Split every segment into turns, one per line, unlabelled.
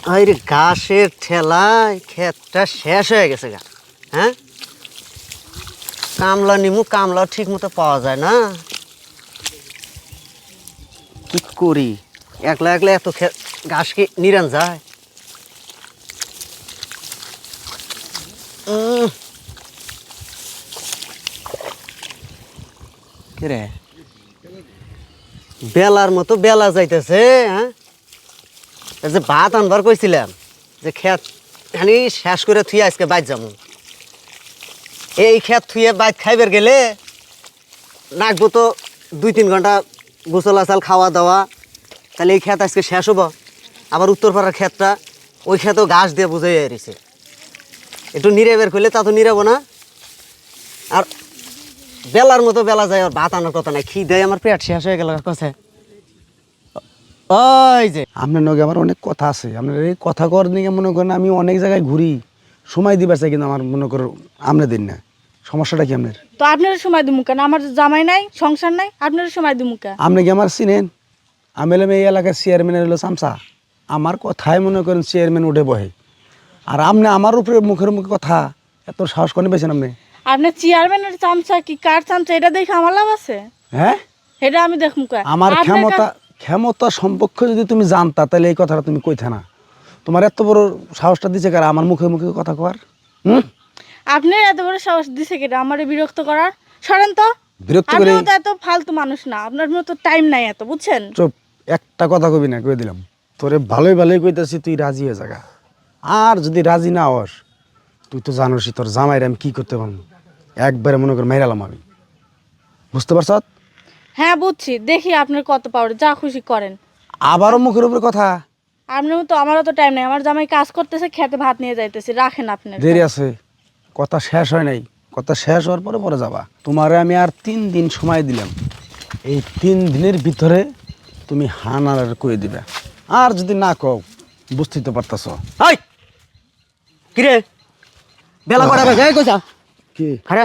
আরে ঘাসের ঠেলায় ক্ষেতটা শেষ হয়ে গেছে গা। হ্যাঁ, কামলা নিমু, কামলা ঠিক মতো পাওয়া যায় না। কি করি, একলা একলা এত ঘাস কি নিরান যায়? রে বেলার মতো বেলা যাইতেছে। হ্যাঁ, এই যে ভাত আনবার কইছিলাম, যে ক্ষেত খানি শেষ করে থুয়ে আজকে বাইর যাবো। এই ক্ষেত থুয়ে বাইর খাইবার গেলে নাকবো তো 2-3 ঘন্টা গোসল আসাল খাওয়া দাওয়া। তাহলে এই ক্ষেত আজকে শেষ হবো। আবার উত্তরপাড়ার ক্ষেতটা, ওই ক্ষেতেও ঘাস দিয়ে বুঝাই রয়েছে। একটু নিরে বের করলে তা তো নিরাবো না। আর বেলার মতো বেলা যায়, আর ভাত আনার কথা নাই। খিদে আমার পেট শেষ হয়ে গেল কাছে। ওই যে
আপনার নগে আমার অনেক কথা আছে। আপনার এই কথা কর নিয়ে মনে করেন আমি অনেক জায়গায় ঘুরি, সময় দিবার চাই, কিন্তু আমার মনে করো আপনি দিন না। সমস্যাটা কি আপনার?
তো আপনার সময় দিমু কেন? আমার জামাই নাই, সংসার নাই, আপনার সময় দিমু কেন?
আপনি কি আমার চিনেন? আমি হলাম এই এলাকার চেয়ারম্যানের হলো চামচা। আমার কথায় মনে করেন চেয়ারম্যান উঠে বহে, আর আপনি আমার উপরে মুখের মুখে কথা এত সাহস করে পেয়েছেন আপনি?
আপনার চেয়ারম্যানের চামচা কি কার চামচা, এটা দেখে আমার লাভ আছে?
হ্যাঁ,
এটা আমি দেখমু কেন?
আমার
আপনার
ক্ষমতা সম্পর্কে যদি তুমি জানতা তাহলে এই কথাটা তুমি কইতে না। তোমার এত বড় সাহসটা দিছে কারা আমার মুখে মুখে কথা কর?
আপনার এত বড় সাহস দিছে কেটা আমারে বিরক্ত করার? সরেন তো।
বিরক্ত করে?
আপনিও তো এত ফালতু মানুষ না, আপনার মতো টাইম নাই এত, বুঝছেন?
চুপ, একটা কথা কবি না, কই দিলাম তোরে ভালোই ভালোই কইতাছি, তুই রাজি হয়ে জাগা। আর যদি রাজি না হস, তুই তো জানোসই তোর জামাইরে আমি কি করতে পারবো। একবারে মনে কর মেরালাম আমি, বুঝতে পারছ?
হ্যাঁ বুঝছি, দেখি আপনার কত পাওয়ার, যা খুশি করেন।
আবারও মুখের উপরে কথা।
আপনার মতো আমারও তো টাইম নাই, আমার জামাই কাজ করতেছে, খেতে ভাত নিয়ে যাইতেছি, রাখেন আপনার।
দেরি আছে, কথা শেষ হয় নাই। কথা শেষ হওয়ার পরে পরে যাবা। তোমারে আমি আর 3 দিন সময় দিলাম। এই 3 দিনের ভিতরে তুমি হানার কয়ে দিবে। আর যদি না কও, বুঝতেই তো পারতাছ।
হাই কিরে, বেলা কটা বাজে? এই কইছা
কি
খারে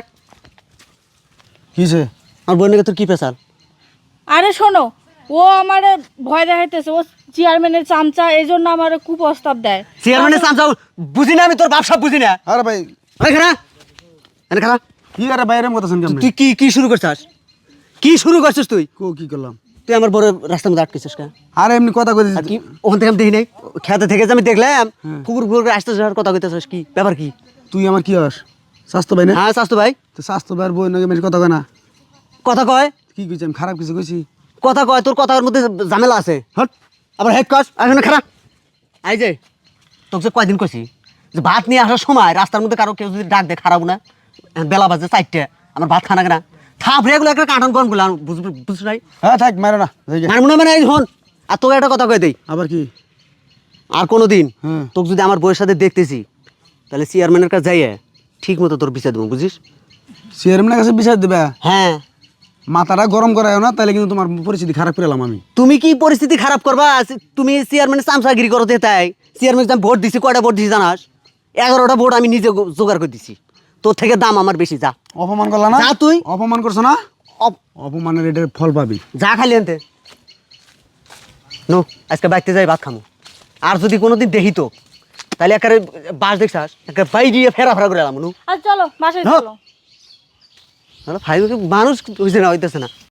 কিছে?
আমার বোনকে তোর কি পেশাল?
আরে শোনো, ও আমারে ভয় দেখাইতেছে, ও চেয়ারম্যানের চামচা, এই জন্য আমার কুপ্রস্তাব দেয়।
চেয়ারম্যানের চামচা বুঝি না, আমি তোর ব্যবসা বুঝি না।
আরে ভাই,
ওই খারা, এনে খারা।
কি আরে বাইরে কথাছেন কেমন?
তুই কি কি শুরু করছিস? কি শুরু করছিস তুই?
কি করলাম?
তুই আমার বড় রাস্তার মধ্যে আটকেছিস কেন?
আরে এমনি কথা কইছিস।
আর কি ওখান থেকে আমি দেখি নাই, খেতে থেকে যে আমি দেখলাম কুকুর কুকুর আসতে যাওয়ার কথা কইতেছিস, কি ব্যাপার কি?
তুই আমার কি হস? স্বাস্থ্য ভাই না?
হ্যাঁ স্বাস্থ্য ভাই।
তো স্বাস্থ্য ভাইয়ের বই নাকি বেশি কথা কয় না?
কথা কয়?
কি কইছি আমি? খারাপ কিছু কইছি?
কথা কয়, তোর কথার মধ্যে ঝামেলা আছে।
হট,
আবার হেড কস আসলে খারাপ। এই যে তোকে যে কয়দিন কইছি যে ভাত নিয়ে আসার সময় রাস্তার মধ্যে কারো কেউ যদি ডাক দে, খারাপ না? বেলা বাজে 4টে, আমার ভাত খানা কেনা থাপ রেগুলো একটা কাঁটন কন গুলো বুঝছ নাই?
হ্যাঁ থাক, মারো না, যাই গে।
মানব না মানে এই হন। আর তোকে একটা কথা কয়ে দেই,
আবার কি?
আর কোনো দিন
হ্যাঁ।
তোকে যদি আমার বউয়ের সাথে দেখতেছি, তাহলে চেয়ারম্যানের কাছে যাইয়ে ঠিক মতো তোর বিচার দেবো, বুঝিস?
চেয়ারম্যানের কাছে বিচার দিবা?
হ্যাঁ।
মাথাটা গরম করায় না, তাহলে কিন্তু তোমার পরিস্থিতি খারাপ করে এলাম আমি।
তুমি কি পরিস্থিতি খারাপ করবা? তুমি চেয়ারম্যানের চামচাগিরি করো তাই? চেয়ারম্যান আমি ভোট দিছি, কয়টা ভোট দিছি জানাস? 11টা ভোট আমি নিজে জোগাড় করে দিছি। তোর থেকে দাম আমার বেশি। যা,
অপমান করলা না?
যা তুই।
অপমান করছো না? অপমানের এটার ফল পাবি।
যা খালি আনতে নো, আজকে বাইতে যাই ভাত খামো। আর যদি কোনোদিন দেখি তো, তাহলে একেবারে বাস দেখছাস, একেবারে বাই দিয়ে ফেরা করে এলাম।
আর চলো বাসায়
হ্যাঁ।
চলো।
মানুষ হইছে না, হইতেছে না।